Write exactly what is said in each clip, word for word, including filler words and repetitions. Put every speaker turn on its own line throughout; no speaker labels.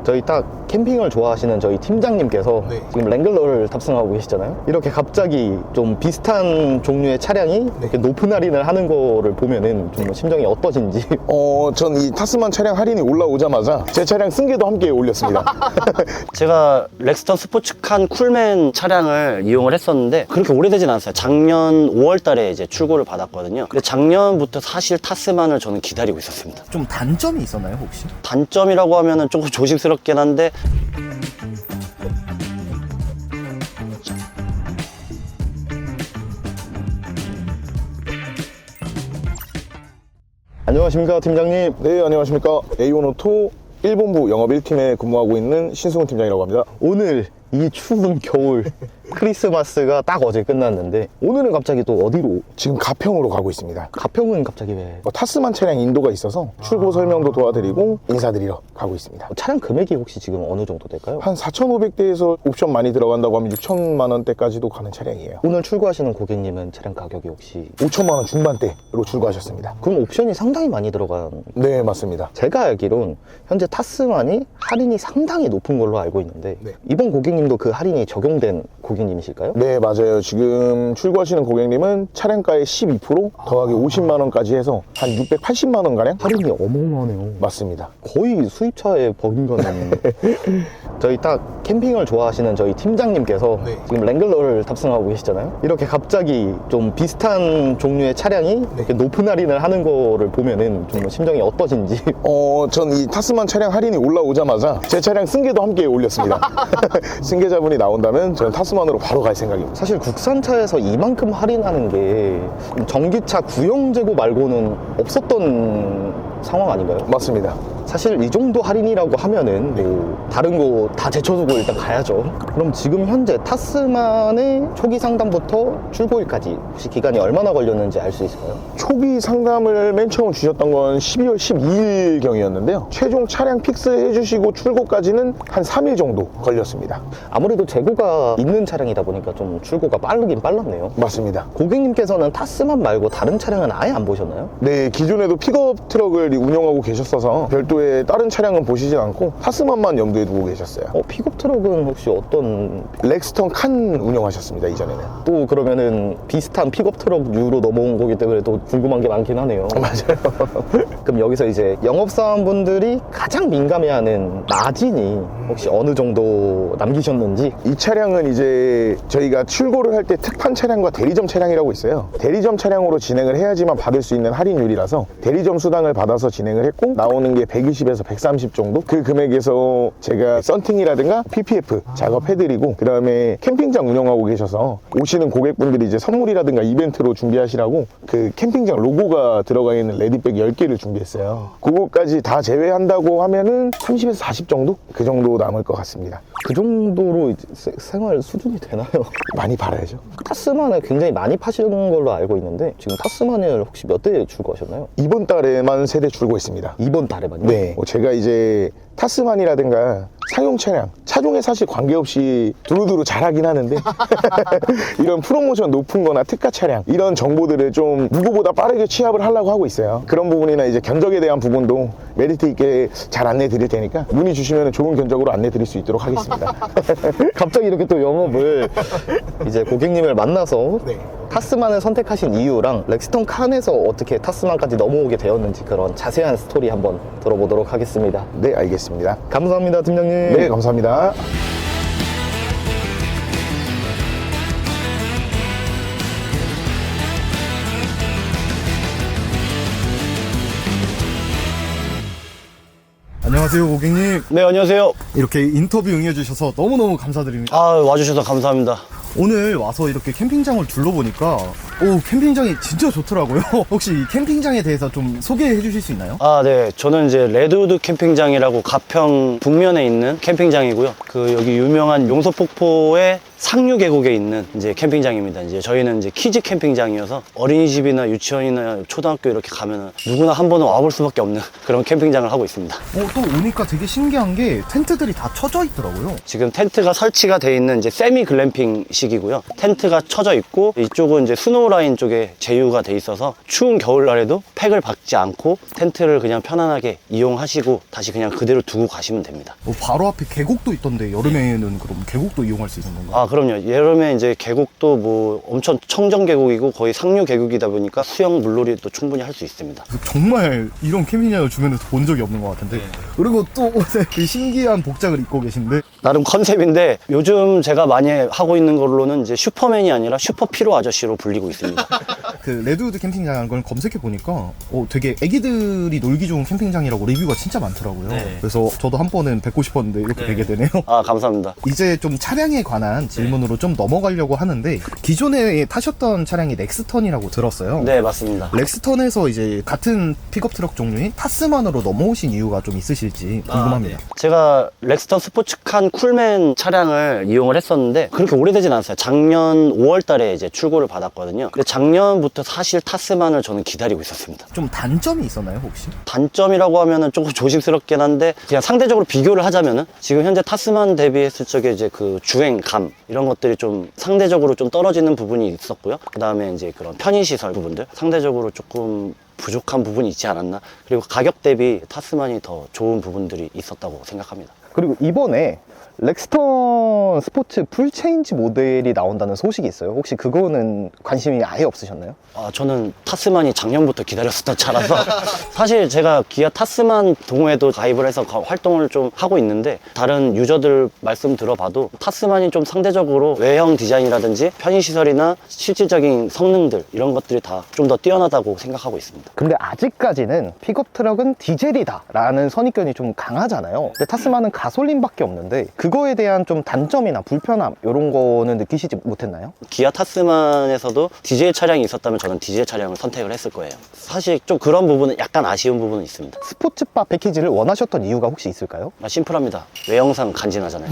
저희 딱 캠핑을 좋아하시는 저희 팀장님께서
네.
지금 랭글러를 탑승하고 계시잖아요. 이렇게 갑자기 좀 비슷한 종류의 차량이
네.
이렇게 높은 할인을 하는 거를 보면은 좀 심정이 어떠신지.
어, 전 이 타스만 차량 할인이 올라오자마자 제 차량 승계도 함께 올렸습니다.
제가 렉스턴 스포츠칸 쿨맨 차량을 이용을 했었는데 그렇게 오래되진 않았어요. 작년 오월 달에 이제 출고를 받았거든요. 근데 작년부터 사실 타스만을 저는 기다리고 있었습니다.
좀 단점이 있었나요 혹시?
단점이라고 하면은 조금 조심스럽긴 한데
안녕하십니까 팀장님.
네, 안녕하십니까. 에이원 오토 일 본부 영업 일 팀에 근무하고 있는 신승훈 팀장이라고 합니다.
오늘 이 추운 겨울 크리스마스가 딱 어제 끝났는데 오늘은 갑자기 또 어디로?
지금 가평으로 가고 있습니다.
가평은 갑자기 왜?
어, 타스만 차량 인도가 있어서 출고 설명도 도와드리고 인사드리러 가고 있습니다.
차량 금액이 혹시 지금 어느 정도 될까요?
한 사천오백 대에서 옵션 많이 들어간다고 하면 육천만 원대까지도 가는 차량이에요.
오늘 출고하시는 고객님은 차량 가격이 혹시?
오천만 원 중반대로 출고하셨습니다.
그럼 옵션이 상당히 많이 들어간.
네, 맞습니다.
제가 알기론 현재 타스만이 할인이 상당히 높은 걸로 알고 있는데
네.
이번 고객님도 그 할인이 적용된 고객님이실까요?
네, 맞아요. 지금 출고하시는 고객님은 차량가의 십이 퍼센트 더하기 오십만 원까지 해서 한 육백팔십만 원가량?
할인이 어마어마하네요.
맞습니다.
거의 수입차에 버금가는. 저희 딱 캠핑을 좋아하시는 저희 팀장님께서
네.
지금 랭글러를 탑승하고 계시잖아요. 이렇게 갑자기 좀 비슷한 종류의 차량이 이렇게 높은 할인을 하는 거를 보면은 좀 심정이 어떠신지.
어, 전 이 타스만 차량 할인이 올라오자마자 제 차량 승계도 함께 올렸습니다. 승계자분이 나온다면 저는 타스만으로 바로 갈 생각입니다.
사실 국산차에서 이만큼 할인하는 게 전기차 구형재고 말고는 없었던 상황 아닌가요?
맞습니다.
사실 이 정도 할인이라고 하면은 뭐 다른 거 다 제쳐두고 일단 가야죠. 그럼 지금 현재 타스만의 초기 상담부터 출고일까지 혹시 기간이 얼마나 걸렸는지 알 수 있을까요?
초기 상담을 맨 처음 주셨던 건 십이월 십이일 경이었는데요. 최종 차량 픽스 해주시고 출고까지는 한 삼 일 정도 걸렸습니다.
아무래도 재고가 있는 차량이다 보니까 좀 출고가 빠르긴 빨랐네요.
맞습니다.
고객님께서는 타스만 말고 다른 차량은 아예 안 보셨나요?
네, 기존에도 픽업 트럭을 운영하고 계셨어서 별도의 다른 차량은 보시진 않고 타스만만 염두에 두고 계셨어요.
어, 픽업 트럭은 혹시 어떤?
렉스턴 칸 운영하셨습니다, 이전에는.
또 그러면은 비슷한 픽업 트럭류로 넘어온 거기 때문에 또 궁금한 게 많긴 하네요.
맞아요.
그럼 여기서 이제 영업사원분들이 가장 민감해하는 마진이 혹시 어느 정도 남기셨는지?
이 차량은 이제 저희가 출고를 할 때 특판 차량과 대리점 차량이라고 있어요. 대리점 차량으로 진행을 해야지만 받을 수 있는 할인율이라서 대리점 수당을 받아서 진행을 했고 나오는 게 백이십에서 백삼십 정도? 그 금액에서 제가 썬팅이라든가 피피에프 작업해드리고 그 다음에 캠핑장 운영하고 계셔서 오시는 고객분들이 이제 선물이라든가 이벤트로 준비하시라고 그 캠핑장 로고가 들어가 있는 레디백 열 개를 준비했어요. 그거까지 다 제외한다고 하면은 삼십에서 사십 정도? 그 정도 남을 것 같습니다.
그 정도로 이제 세- 생활 수준이 되나요?
많이 팔아야죠.
타스만을 굉장히 많이 파시는 걸로 알고 있는데 지금 타스만을 혹시 몇 대 출고하셨나요?
이번 달에만 세 대 출고했습니다.
이번 달에만요?
네, 뭐 제가 이제 타스만이라든가 상용 차량, 차종에 사실 관계없이 두루두루 잘하긴 하는데 이런 프로모션 높은 거나 특가 차량 이런 정보들을 좀 누구보다 빠르게 취합을 하려고 하고 있어요. 그런 부분이나 이제 견적에 대한 부분도 메리트 있게 잘 안내 드릴 테니까 문의 주시면 좋은 견적으로 안내 드릴 수 있도록 하겠습니다.
갑자기 이렇게 또 영업을 이제 고객님을 만나서
네.
타스만을 선택하신 이유랑 렉스턴 칸에서 어떻게 타스만까지 넘어오게 되었는지 그런 자세한 스토리 한번 들어보도록 하겠습니다.
네, 알겠습니다.
감사합니다, 팀장님.
네, 감사합니다.
안녕하세요 고객님.
네, 안녕하세요.
이렇게 인터뷰 응해주셔서 너무너무 감사드립니다.
아, 와주셔서 감사합니다.
오늘 와서 이렇게 캠핑장을 둘러보니까 오 캠핑장이 진짜 좋더라고요. 혹시 이 캠핑장에 대해서 좀 소개해 주실 수 있나요?
아, 네. 저는 이제 레드우드 캠핑장이라고 가평 북면에 있는 캠핑장이고요. 그 여기 유명한 용서폭포의 상류 계곡에 있는 이제 캠핑장입니다. 이제 저희는 이제 키즈 캠핑장이어서 어린이집이나 유치원이나 초등학교 이렇게 가면은 누구나 한 번은 와볼 수밖에 없는 그런 캠핑장을 하고 있습니다.
어, 또 오니까 되게 신기한 게 텐트들이 다 쳐져 있더라고요.
지금 텐트가 설치가 돼 있는 이제 세미 글램핑식이고요. 텐트가 쳐져 있고 이쪽은 이제 스노우 라인 쪽에 제휴가 돼 있어서 추운 겨울날에도 팩을 박지 않고 텐트를 그냥 편안하게 이용하시고 다시 그냥 그대로 두고 가시면 됩니다.
어, 바로 앞에 계곡도 있던데 여름에는 그럼 계곡도 이용할 수 있는 건가요?
아, 그럼요. 여름에 이제 계곡도 뭐 엄청 청정 계곡이고 거의 상류 계곡이다 보니까 수영 물놀이도 충분히 할 수 있습니다.
정말 이런 캠핑장을 주변에서 본 적이 없는 것 같은데 그리고 또 오늘 그 신기한 복장을 입고 계신데
나름 컨셉인데 요즘 제가 많이 하고 있는 걸로는 이제 슈퍼맨이 아니라 슈퍼피로 아저씨로 불리고 있습니다.
그 레드우드 캠핑장이라는 걸 검색해 보니까 어, 되게 애기들이 놀기 좋은 캠핑장이라고 리뷰가 진짜 많더라고요.
네.
그래서 저도 한 번은 뵙고 싶었는데 이렇게 뵈게 되네요.
아, 감사합니다.
이제 좀 차량에 관한 질문으로 좀 넘어가려고 하는데 기존에 타셨던 차량이 렉스턴이라고 들었어요.
네, 맞습니다.
렉스턴에서 이제 같은 픽업 트럭 종류인 타스만으로 넘어오신 이유가 좀 있으실지 궁금합니다.
아, 네. 제가 렉스턴 스포츠칸 쿨맨 차량을 이용을 했었는데 그렇게 오래되진 않았어요. 작년 오월 달에 이제 출고를 받았거든요. 근데 작년부터 사실 타스만을 저는 기다리고 있었습니다.
좀 단점이 있었나요 혹시?
단점이라고 하면은 조금 조심스럽긴 한데 그냥 상대적으로 비교를 하자면은 지금 현재 타스만 대비했을 적에 이제 그 주행감 이런 것들이 좀 상대적으로 좀 떨어지는 부분이 있었고요. 그 다음에 이제 그런 편의시설 부분들 상대적으로 조금 부족한 부분이 있지 않았나. 그리고 가격 대비 타스만이 더 좋은 부분들이 있었다고 생각합니다.
그리고 이번에 렉스턴 스포츠 풀체인지 모델이 나온다는 소식이 있어요. 혹시 그거는 관심이 아예 없으셨나요?
아, 저는 타스만이 작년부터 기다렸었던 차라서 사실 제가 기아 타스만 동호회도 가입을 해서 가- 활동을 좀 하고 있는데 다른 유저들 말씀 들어봐도 타스만이 좀 상대적으로 외형 디자인이라든지 편의시설이나 실질적인 성능들 이런 것들이 다 좀 더 뛰어나다고 생각하고 있습니다.
근데 아직까지는 픽업 트럭은 디젤이다 라는 선입견이 좀 강하잖아요. 근데 타스만은 가솔린밖에 없는데 그거에 대한 좀 단점이나 불편함 이런 거는 느끼시지 못했나요?
기아 타스만에서도 디젤 차량이 있었다면 저는 디젤 차량을 선택을 했을 거예요. 사실 좀 그런 부분은 약간 아쉬운 부분은 있습니다.
스포츠바 패키지를 원하셨던 이유가 혹시 있을까요?
아, 심플합니다. 외형상 간지나잖아요.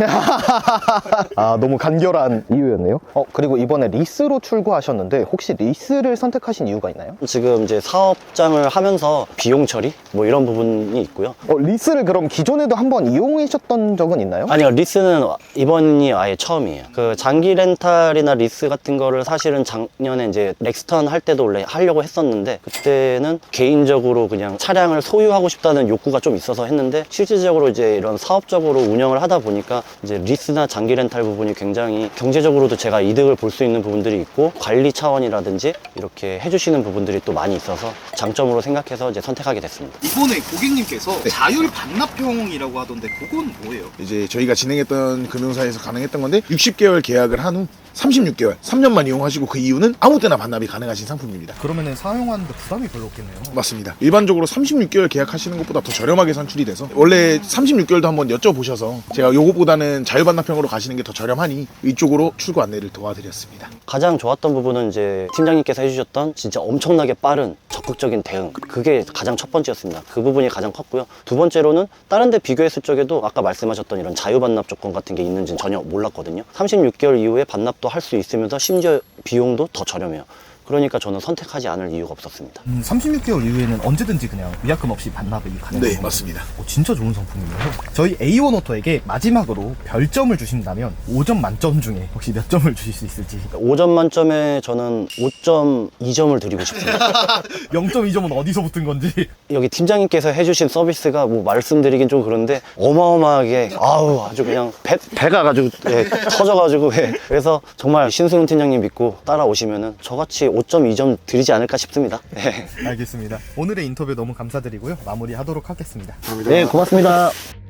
아, 너무 간결한 이유였네요. 어, 그리고 이번에 리스로 출고하셨는데 혹시 리스를 선택하신 이유가 있나요?
지금 이제 사업장을 하면서 비용 처리 뭐 이런 부분이 있고요.
어, 리스를 그럼 기존에도 한번 이용하셨던 적은 있나요?
아니요, 리스는 이번이 아예 처음이에요. 그 장기 렌탈이나 리스 같은 거를 사실은 작년에 이제 렉스턴 할 때도 원래 하려고 했었는데 그때는 개인적으로 그냥 차량을 소유하고 싶다는 욕구가 좀 있어서 했는데 실질적으로 이제 이런 사업적으로 운영을 하다 보니까 이제 리스나 장기 렌탈 부분이 굉장히 경제적으로도 제가 이득을 볼 수 있는 부분들이 있고 관리 차원이라든지 이렇게 해주시는 부분들이 또 많이 있어서 장점으로 생각해서 이제 선택하게 됐습니다.
이번에 고객님께서 자율 반납형이라고 하던데 그건 뭐예요?
이제 저희가 진행했던 금융사에서 가능했던 건데 육십 개월 계약을 한 후 삼십육 개월, 삼 년만 이용하시고 그 이후는 아무 때나 반납이 가능하신 상품입니다.
그러면은 사용하는데 부담이 별로 없겠네요.
맞습니다. 일반적으로 삼십육 개월 계약하시는 것보다 더 저렴하게 산출이 돼서 원래 삼십육 개월도 한번 여쭤보셔서 제가 요거보다는 자율반납형으로 가시는 게 더 저렴하니 이쪽으로 출고 안내를 도와드렸습니다.
가장 좋았던 부분은 이제 팀장님께서 해주셨던 진짜 엄청나게 빠른 적극적인 대응, 그게 가장 첫 번째였습니다. 그 부분이 가장 컸고요. 두 번째로는 다른 데 비교했을 적에도 아까 말씀하셨던 이런 자유반납 조건 같은 게 있는지는 전혀 몰랐거든요. 삼십육 개월 이후에 반납도 할 수 있으면서 심지어 비용도 더 저렴해요. 그러니까 저는 선택하지 않을 이유가 없었습니다.
음, 삼십육 개월 이후에는 언제든지 그냥 위약금 없이 반납이 가능해요.
네, 맞습니다.
오, 진짜 좋은 상품이네요. 저희 에이원 오토에게 마지막으로 별점을 주신다면 오 점 만점 중에 혹시 몇 점을 주실 수 있을지.
오 점 만점에 저는 오 점 이 점을 드리고 싶습니다.
영 점 이 점은 어디서 붙은 건지.
여기 팀장님께서 해주신 서비스가 뭐 말씀드리긴 좀 그런데 어마어마하게 아우 아주 그냥 배, 배가 가지고 예, 터져가지고 예. 그래서 정말 신승훈 팀장님 믿고 따라오시면은 저같이 오 점 이 점 드리지 않을까 싶습니다. 예.
알겠습니다. 오늘의 인터뷰 너무 감사드리고요. 마무리하도록 하겠습니다.
네, 고맙습니다.